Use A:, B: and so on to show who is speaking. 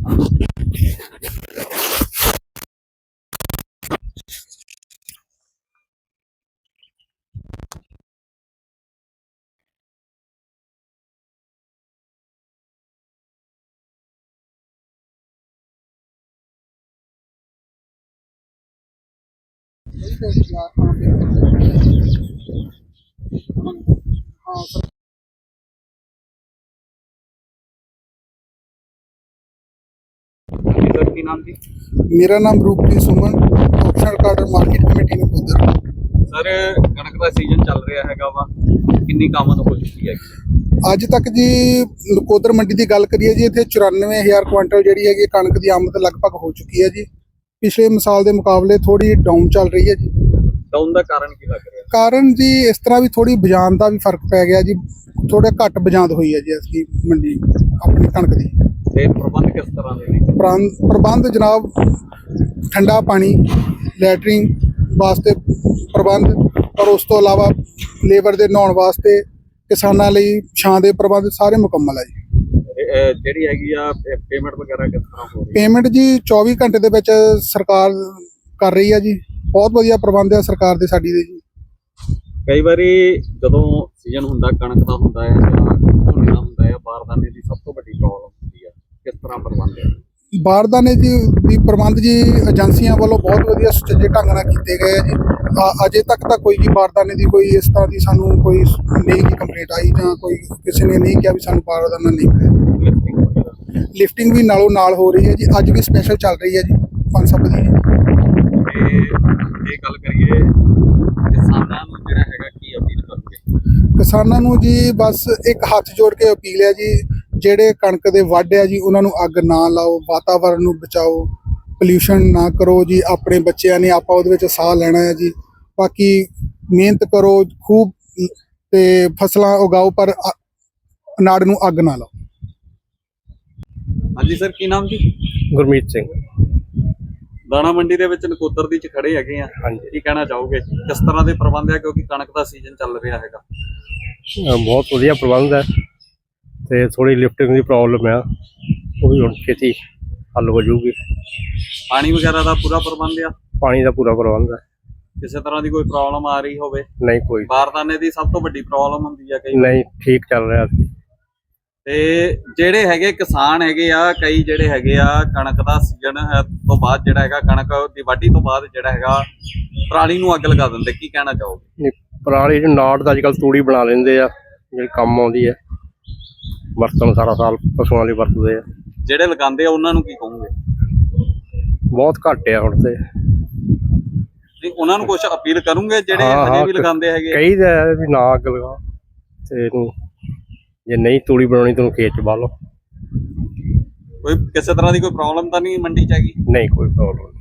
A: Sir की नाम जी?
B: मेरा नाम रूपप्रीत सुमन, ऑप्शनल कार्डर मार्केट कमेटी नकोदर।
A: सर कणक का सीजन चल रहा हैगा वा, कितनी कामत हो चुकी है?
B: ਅੱਜ ਤੱਕ ਜੀ ਨਕੋਦਰ ਮੰਡੀ ਦੀ ਗੱਲ ਕਰੀਏ ਜੀ, ਇੱਥੇ 94,000 ਕੁਇੰਟਲ ਜਿਹੜੀ ਹੈਗੀ ਕਣਕ ਦੀ ਆਮਦ ਲਗਭਗ ਹੋ ਚੁੱਕੀ ਹੈ ਜੀ। ਪਿਛਲੇ ਸਾਲ ਦੇ ਮੁਕਾਬਲੇ ਥੋੜੀ ਡਾਊਨ ਚੱਲ ਰਹੀ ਹੈ ਜੀ।
A: ਡਾਊਨ ਦਾ ਕਾਰਨ ਕੀ ਲੱਗ ਰਿਹਾ?
B: ਕਾਰਨ ਜੀ ਇਸ ਤਰ੍ਹਾਂ ਵੀ ਥੋੜੀ ਬਜਾਨ ਦਾ ਵੀ ਫਰਕ ਪੈ ਗਿਆ ਜੀ, ਥੋੜਾ ਘੱਟ ਬਜਾਂਦ ਹੋਈ ਹੈ ਜੀ ਅਸਲੀ ਮੰਡੀ ਆਪਣੀ ਕਣਕ ਦੀ।
A: ਤੇ ਪ੍ਰਬੰਧ ਕਿਸ ਤਰ੍ਹਾਂ ਦੇ ਨੇ?
B: ਪ੍ਰਬੰਧ ਜਨਾਬ, ਠੰਡਾ ਪਾਣੀ, ਲੈਟਰਿੰਗ ਵਾਸਤੇ ਪ੍ਰਬੰਧ, ਔਰ ਉਸ ਤੋਂ ਇਲਾਵਾ ਲੇਬਰ ਦੇ ਨਹਾਉਣ ਵਾਸਤੇ, ਕਿਸਾਨਾਂ ਲਈ ਛਾਂ ਦੇ ਪ੍ਰਬੰਧ ਸਾਰੇ ਮੁਕੰਮਲ ਹੈ ਜੀ।
A: ਜਿਹੜੀ ਹੈਗੀ ਆ ਪੇਮੈਂਟ ਵਗੈਰਾ ਕਿਸ ਤਰ੍ਹਾਂ ਹੋ ਰਹੀ ਹੈ?
B: ਪੇਮੈਂਟ ਜੀ 24 ਘੰਟੇ ਦੇ ਵਿੱਚ ਸਰਕਾਰ ਕਰ ਰਹੀ ਹੈ ਜੀ। ਬਹੁਤ ਵਧੀਆ ਪ੍ਰਬੰਧ ਹੈ ਸਰਕਾਰ ਦੇ ਸਾਡੀ ਦੇ ਜੀ।
A: ਕਈ ਵਾਰੀ ਜਦੋਂ ਸੀਜ਼ਨ ਹੁੰਦਾ ਕਣਕ ਦਾ ਹੁੰਦਾ ਹੈ ਜਾਂ ਝੋਨੇ ਦਾ ਹੁੰਦਾ ਹੈ, ਬਾਰਦਾਨੇ ਦੀ ਸਭ ਤੋਂ ਵੱਡੀ ਪ੍ਰੋਬਲਮ ਹੁੰਦੀ ਹੈ, ਕਿਸ ਤਰ੍ਹਾਂ ਪ੍ਰਬੰਧ ਹੈ?
B: ਬਾਰਦਾਨੇ ਜੀ ਦੀ ਪ੍ਰਬੰਧ ਜੀ ਏਜੰਸੀਆਂ ਵੱਲੋਂ ਬਹੁਤ ਵਧੀਆ ਸੁਚੱਜੇ ਢੰਗ ਨਾਲ ਕੀਤੇ ਗਏ ਹੈ ਜੀ। ਅਜੇ ਤੱਕ ਤਾਂ ਕੋਈ ਵੀ ਬਾਰਦਾਨੇ ਦੀ ਕੋਈ ਇਸ ਤਰ੍ਹਾਂ ਦੀ ਸਾਨੂੰ ਕੋਈ ਨਹੀਂ ਕੀ ਕੰਪਲੇਂਟ ਆਈ, ਜਾਂ ਕੋਈ ਕਿਸੇ ਨੇ ਨਹੀਂ ਕਿਹਾ ਵੀ ਸਾਨੂੰ ਬਾਰਦਾਨਾ ਨਹੀਂ ਮਿਲਿਆ। ਲਿਫਟਿੰਗ ਵੀ ਨਾਲੋਂ ਨਾਲ ਹੋ ਰਹੀ ਹੈ ਜੀ, ਅੱਜ ਵੀ ਸਪੈਸ਼ਲ ਚੱਲ ਰਹੀ ਹੈ ਜੀ 5 ਵਜੇ।
A: ਤੇ ਇਹ ਗੱਲ ਕਰੀਏ ਕਿਸਾਨਾਂ ਨੂੰ ਜਿਹੜਾ ਹੈਗਾ ਕੀ ਅਪੀਲ ਕਰੋਗੇ?
B: ਕਿਸਾਨਾਂ ਨੂੰ ਜੀ ਬਸ ਇੱਕ ਹੱਥ ਜੋੜ ਕੇ ਅਪੀਲ ਹੈ ਜੀ, ਜਿਹੜੇ ਕਣਕ ਦੇ ਵੱਢ ਆ ਜੀ ਉਹਨਾਂ ਨੂੰ ਅੱਗ ਨਾ ਲਾਓ, ਵਾਤਾਵਰਨ ਨੂੰ ਬਚਾਓ, ਪੋਲਿਊਸ਼ਨ ਨਾ ਕਰੋ ਜੀ। ਆਪਣੇ ਬੱਚਿਆਂ ਨੇ ਆਪਾਂ ਉਹਦੇ ਵਿੱਚ ਸਾਹ ਲੈਣਾ ਹੈ ਜੀ। ਬਾਕੀ ਮਿਹਨਤ ਕਰੋ ਖੂਬ ਤੇ ਫਸਲਾਂ ਉਗਾਓ, ਪਰ ਨਾੜ ਨੂੰ ਅੱਗ ਨਾ ਲਾਓ।
A: ਹਾਂਜੀ ਸਰ, ਕੀ ਨਾਮ ਜੀ?
C: ਗੁਰਮੀਤ ਸਿੰਘ।
A: ਦਾਣਾ ਮੰਡੀ ਦੇ ਵਿੱਚ ਨਕੋਦਰ ਦੀ ਚ ਖੜੇ ਹੈਗੇ ਆ,
C: ਹਾਂਜੀ,
A: ਕੀ ਕਹਿਣਾ ਚਾਹੋਗੇ? ਕਿਸ ਤਰ੍ਹਾਂ ਦੇ ਪ੍ਰਬੰਧ ਹੈ, ਕਿਉਂਕਿ ਕਣਕ ਦਾ ਸੀਜ਼ਨ ਚੱਲ ਰਿਹਾ ਹੈਗਾ?
C: ਬਹੁਤ ਵਧੀਆ ਪ੍ਰਬੰਧ ਹੈ ਤੇ ਥੋੜੀ ਲਿਫਟਿੰਗ ਦੀ ਪ੍ਰੋਬਲਮ ਆ, ਉਹ ਵੀ ਹੁਣ ਛੇਤੀ ਹੱਲ ਹੋ ਜਾਊਗੀ।
A: ਪਾਣੀ ਵਗੈਰਾ ਦਾ ਪੂਰਾ ਪ੍ਰਬੰਧ ਆ?
C: ਪਾਣੀ ਦਾ ਪੂਰਾ ਪ੍ਰਬੰਧ ਹੈ।
A: ਕਿਸੇ ਤਰ੍ਹਾਂ ਦੀ ਕੋਈ ਪ੍ਰੋਬਲਮ ਆ ਰਹੀ ਹੋਵੇ?
C: ਨਹੀਂ ਕੋਈ
A: ਬਾਰਦਾਨੇ ਦੀ ਸਭ ਤੋਂ ਵੱਡੀ ਪ੍ਰੋਬਲਮ ਹੁੰਦੀ ਆ ਕਈ।
C: ਨਹੀਂ, ਠੀਕ ਚੱਲ ਰਿਹਾ ਸੀ।
A: ਤੇ ਜਿਹੜੇ ਹੈਗੇ ਕਿਸਾਨ ਹੈਗੇ ਆ, ਕਈ ਜਿਹੜੇ ਹੈਗੇ ਆ ਕਣਕ ਦਾ ਸੀਜ਼ਨ ਤੋਂ ਬਾਅਦ ਜਿਹੜਾ ਹੈਗਾ, ਕਣਕ ਦੀ ਵਾਢੀ ਤੋਂ ਬਾਅਦ ਜਿਹੜਾ ਹੈਗਾ ਪਰਾਲੀ ਨੂੰ ਅੱਗ ਲਗਾ ਦਿੰਦੇ, ਕੀ ਕਹਿਣਾ ਚਾਹੋਗੇ?
C: ਪਰਾਲੀ ਨੂੰ ਨਾੜ ਦਾ ਅੱਜ ਕੱਲ੍ਹ ਤੂੜੀ ਬਣਾ ਲੈਂਦੇ ਆ, ਜਿਹੜੀ ਕੰਮ ਆਉਂਦੀ ਹੈ, ਵਰਤਣ ਸਾਰਾ ਸਾਲ ਪਸ਼ੂਆਂ ਲਈ ਵਰਤਦੇ ਆ।
A: ਜਿਹੜੇ ਲਗਾਉਂਦੇ ਆ ਉਹਨਾਂ ਨੂੰ ਕੀ ਕਹੋਗੇ?
C: ਬਹੁਤ ਘੱਟ ਆ ਹੁਣ ਤੇ।
A: ਨਹੀਂ, ਉਹਨਾਂ ਨੂੰ ਕੁਝ ਅਪੀਲ ਕਰੂੰਗੇ ਜਿਹੜੇ ਹਜੇ ਵੀ ਲਗਾਉਂਦੇ ਹੈਗੇ?
C: ਕਈ ਦਾ ਵੀ ਨਾ ਅੱਗ ਲਗਾ, ਤੇ ਇਹਨੂੰ ਜੇ ਨਹੀਂ ਤੂੜੀ ਬਣਾਉਣੀ ਤੈਨੂੰ ਖੇਤ ਚ ਬਾਹ ਲਓ।
A: ਕੋਈ ਕਿਸੇ ਤਰ੍ਹਾਂ ਦੀ ਕੋਈ ਪ੍ਰੋਬਲਮ ਤਾਂ ਨਹੀਂ ਮੰਡੀ ਚ ਹੈਗੀ?
C: ਨਹੀਂ ਕੋਈ ਪ੍ਰੋਬਲਮ।